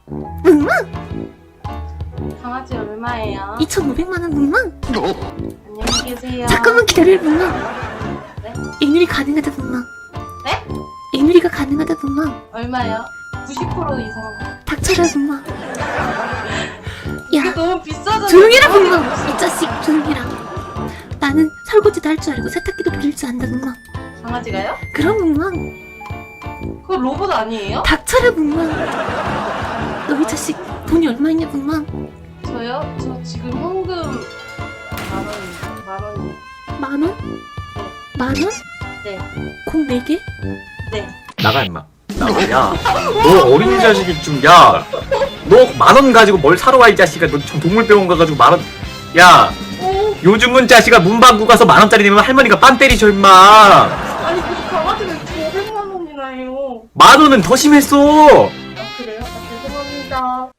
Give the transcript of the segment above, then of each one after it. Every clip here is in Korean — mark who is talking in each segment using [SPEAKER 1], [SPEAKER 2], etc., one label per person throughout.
[SPEAKER 1] 뭉뭉!
[SPEAKER 2] 강아지 얼마예요?
[SPEAKER 1] 2,500만원 뭉뭉!
[SPEAKER 2] 안녕히 계세요.
[SPEAKER 1] 잠깐만 기다려 뭉뭉!
[SPEAKER 2] 네?
[SPEAKER 1] 액누리 가능하다 뭉뭉!
[SPEAKER 2] 네?
[SPEAKER 1] 액누리가 가능하다 뭉뭉!
[SPEAKER 2] 얼마요? 90% 이상.
[SPEAKER 1] 닥쳐라 뭉뭉!
[SPEAKER 2] 이게
[SPEAKER 1] 야
[SPEAKER 2] 너무 비싸잖아.
[SPEAKER 1] 조용히라 뭉뭉! 이 자식 조용히라. 나는 설거지도 할 줄 알고 세탁기도 돌릴 줄 안다 뭉뭉.
[SPEAKER 2] 강아지가요?
[SPEAKER 1] 그럼 뭉뭉!
[SPEAKER 2] 그거 로봇 아니에요?
[SPEAKER 1] 닥쳐라 뭉뭉! 너 이 자식 돈이 얼마 있냐 뭉뭉?
[SPEAKER 2] 저요? 저 지금 현금 만 원이요. 만 원이요.
[SPEAKER 1] 만원? 만원?
[SPEAKER 2] 네.
[SPEAKER 1] 공 4개?
[SPEAKER 2] 네.
[SPEAKER 3] 나가 임마. 나가. 야, 너 어린 자식이 좀. 야, 너 10,000원 가지고 뭘 사러 와 이 자식아. 너 좀 동물병원 가가지고 10,000원. 야, 요즘은 자식아 문방구 가서 10,000원짜리 내면 할머니가 빤 때리셔 임마.
[SPEAKER 2] 아니 그 강아지가 500만 원이나 해요.
[SPEAKER 3] 10,000원은 더 심했어.
[SPEAKER 2] 아 그래요? 아 죄송합니다.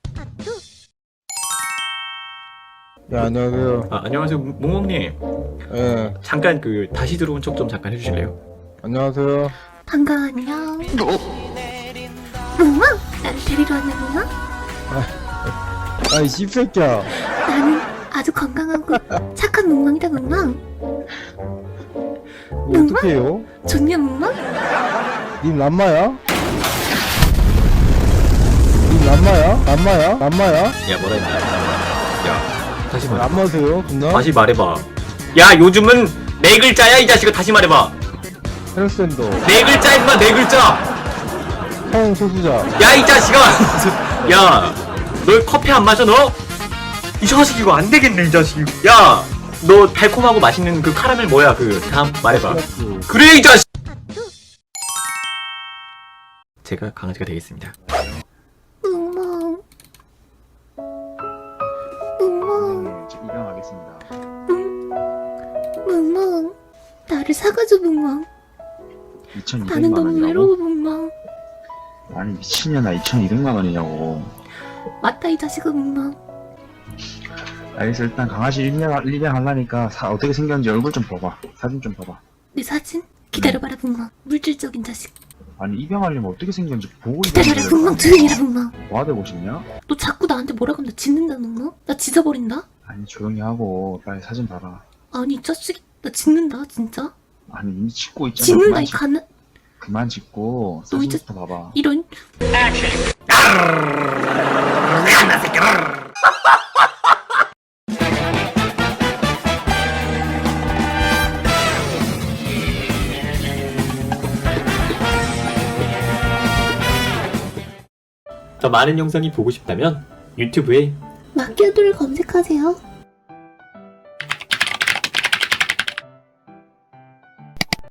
[SPEAKER 4] 네, 안녕하세요.
[SPEAKER 3] 아, 안녕하세요 몽몽님.
[SPEAKER 4] 예,
[SPEAKER 3] 잠깐 그 다시 들어온 척 좀 잠깐 해주실래요?
[SPEAKER 4] 안녕하세요.
[SPEAKER 1] 반가워 안녕. 뭉뭉! 나를 데리러 왔냐 뭉뭉?
[SPEAKER 4] 아이, 씹새끼야.
[SPEAKER 1] 나는 아주 건강하고 착한 뭉뭉이다 뭉뭉.
[SPEAKER 4] 뭐 어떻게 해요?
[SPEAKER 1] 좋냐 뭉뭉?
[SPEAKER 4] 님 람마야? 님 람마야? 람마야? 람마야?
[SPEAKER 3] 야 뭐라 했냐? 야 다시 말해.
[SPEAKER 4] 람마세요, 누나?
[SPEAKER 3] 다시 말해봐. 야 요즘은 4글자야 이 자식아. 다시 말해봐.
[SPEAKER 4] 헬스탠더,
[SPEAKER 3] 4글자 임마 4글자.
[SPEAKER 4] 형 소수자.
[SPEAKER 3] 야 이 자식아. 야 너 커피 안 마셔 너? 이 자식 이거 안 되겠네 이 자식. 야 너 달콤하고 맛있는 그 카라멜 뭐야 그 다음 말해봐. 그래 이 자식. 제가 강아지가 되겠습니다.
[SPEAKER 1] 뭉뭉. 뭉뭉.
[SPEAKER 5] 입양하겠습니다.
[SPEAKER 1] 뭉뭉. 나를 사가줘 뭉뭉. 나는
[SPEAKER 5] 2,200만
[SPEAKER 1] 너무
[SPEAKER 5] 원이라고?
[SPEAKER 1] 외로워 뭉뭉.
[SPEAKER 5] 아니 미친년아 2,200만 원이냐고.
[SPEAKER 1] 맞다 이 자식아 뭉뭉.
[SPEAKER 5] 알겠어 일단 강아지 입양하려니까 어떻게 생겼는지 얼굴 좀 봐봐. 사진 좀 봐봐.
[SPEAKER 1] 내 사진? 기다려봐라 뭉뭉. 물질적인 자식.
[SPEAKER 5] 아니 입양하려면 어떻게 생겼는지 보고
[SPEAKER 1] 기다려라 뭉뭉. 조용히 해라 뭉뭉.
[SPEAKER 5] 뭐하고 싶냐?
[SPEAKER 1] 너 자꾸 나한테 뭐라 그러면 나 짖는다 뭉뭉. 나 짖어버린다.
[SPEAKER 5] 아니 조용히 하고 빨리 사진 봐라.
[SPEAKER 1] 아니 이 자식 나 짖는다 진짜.
[SPEAKER 5] 아니 이미 찍고 있잖아.
[SPEAKER 1] 짖는다 이 가는.
[SPEAKER 5] 그만 찍고
[SPEAKER 1] 너 이제-
[SPEAKER 5] 사진부터 봐봐.
[SPEAKER 1] 이런.
[SPEAKER 3] 더 많은 영상이 보고 싶다면 유튜브에
[SPEAKER 1] 마키아도를 검색하세요.